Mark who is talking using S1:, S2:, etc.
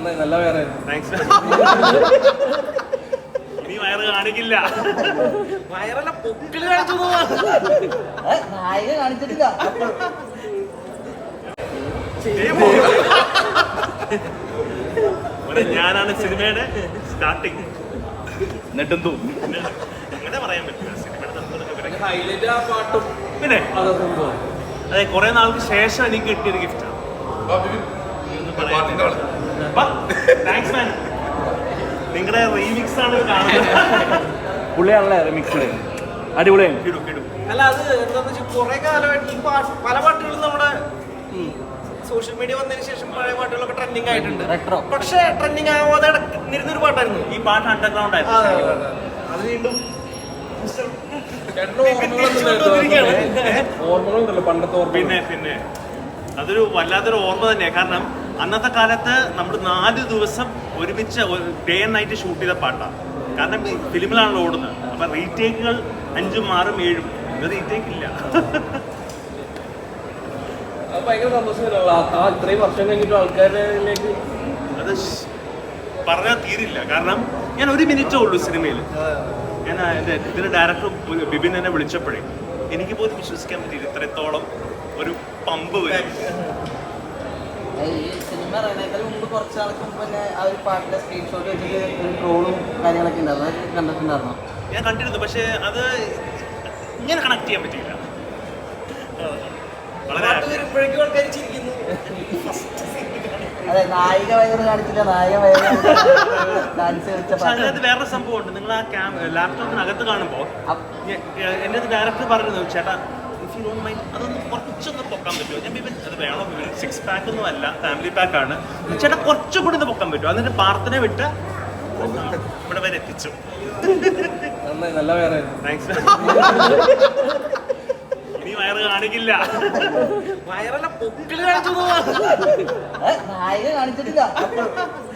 S1: നല്ല വേറെ
S2: ഇനി വയറ് കാണിക്കില്ല.
S1: വയറല്ല പൊക്കിള് കാണിച്ചു
S3: നായിക കാണിച്ചിട്ടില്ല.
S2: ഞാനാണ് സിനിമയുടെ സ്റ്റാർട്ടിങ്.
S1: നെട്ടും
S2: അങ്ങനെ പറയാൻ പറ്റില്ല. സിനിമയുടെ
S1: ഹൈലൈറ്റ് ആ പാട്ടും
S2: പിന്നെ അതെ, കുറെ നാൾക്ക് ശേഷം എനിക്ക് കിട്ടിയൊരു ഗിഫ്റ്റാണ്. Thanks man. നിങ്ങളുടെ റീമിക്സ് ആണ് കാണുന്നത്.
S1: പുള്ളിയാണല്ലേ റിമിക്സ് അടിപൊളിയാണ്.
S4: അല്ല അത് എന്താന്ന് വെച്ചാൽ കുറെ കാലമായിട്ട് ഈ പാട്ട് പല പാട്ടുകളും നമ്മുടെ സോഷ്യൽ മീഡിയ വന്നതിന് ശേഷം പഴയ പാട്ടുകളൊക്കെ ട്രെൻഡിങ് ആയിട്ടുണ്ട്. പക്ഷെ ട്രെൻഡിങ് ആവാതെ നിരുന്നൊരു പാട്ടായിരുന്നു
S2: ഈ പാട്ട് അണ്ടർഗ്രൗണ്ട് ആയിരുന്നു.
S4: അത് വീണ്ടും
S1: ഓർമ്മകളുണ്ടല്ലോ പണ്ടത്തെ ഓർമ്മ.
S2: പിന്നെ അതൊരു വല്ലാത്തൊരു ഓർമ്മ തന്നെയാണ്. കാരണം അന്നത്തെ കാലത്ത് നമ്മൾ 4 ദിവസം ഒരുമിച്ച് ഡേ ആൻഡ് നൈറ്റ് ഷൂട്ട് ചെയ്ത പാട്ടാണ്. കാരണം ഫിലിമിലാണല്ലോ ഓടുന്നത്. അപ്പം റീടേക്കുകൾ 5, 6, 7 ഇത് റീടേക്ക് ഇല്ല.
S1: അത് ഭയങ്കര സന്തോഷമല്ലോ ആ ഇത്രയും വർഷം കഴിഞ്ഞിട്ട് ആൾക്കാരിലേക്ക്.
S2: അത് പറഞ്ഞാൽ തീരില്ല. കാരണം ഞാൻ 1 മിനിറ്റേ ഉള്ളൂ സിനിമയിൽ. ഞാൻ ഇതിൻ്റെ ഡയറക്ടർ ബിബിൻ എന്നെ വിളിച്ചപ്പോഴേ എനിക്ക് പോലും വിശ്വസിക്കാൻ പറ്റിയില്ല ഇത്രത്തോളം ഒരു പമ്പ് വരും.
S3: ഈ സിനിമ ഇറങ്ങുന്നതിന് മുമ്പ് കുറച്ച് നാൾക്ക് മുമ്പ് തന്നെ ആ ഒരു പാട്ടിന്റെ സ്ക്രീൻഷോട്ട് വെച്ചിട്ട് ഒരു ട്രോളും കാര്യങ്ങളൊക്കെ ഉണ്ടായിരുന്നു. അത് കണ്ടിട്ടുണ്ടായിരുന്നോ?
S2: ഞാൻ കണ്ടിരുന്നു. പക്ഷേ അത് ഇങ്ങനെ കണക്ട് ചെയ്യാൻ പറ്റിയില്ല. വളരെ
S4: വരുമ്പോഴേക്കും ആൾക്കാർ ചിരിക്കുന്നു.
S3: അതെ, നായിക വയറ് കാണിച്ചില്ല, നായിക വയറ് ഡാൻസ് കളിച്ച
S2: പക്ഷെ അതിനകത്ത് വേറൊരു സംഭവമുണ്ട്. നിങ്ങൾ ആ ലാപ്ടോപ്പിനകത്ത് കാണുമ്പോൾ എൻ്റെ ഡയറക്ടർ പറഞ്ഞു, ചേട്ടാ ഇഫ് യു ഡോണ്ട് മൈൻഡ് അതൊന്ന് കുറച്ചൊന്ന് പൊക്കാൻ പറ്റുമോ? ഞാൻ ബിബിൻ അത് വേണോ ബിബിൻ? 6 പാക്ക് ഒന്നും അല്ല, ഫാമിലി പാക്കാണ്. ചേട്ടാ കുറച്ചും കൂടി ഒന്ന് പൊക്കാൻ പറ്റുമോ? എന്നിട്ട് പ്രാർത്ഥന വിട്ട് ഇവിടെ വരെ എത്തിച്ചു.
S1: നല്ല വേറെ
S2: താങ്ക്സ്. ഇനി വയറ് കാണിക്കില്ല.
S4: വയറല്ല പൊക്കിള് കാണിച്ചു
S3: നായിക കാണിച്ചിട്ടില്ല.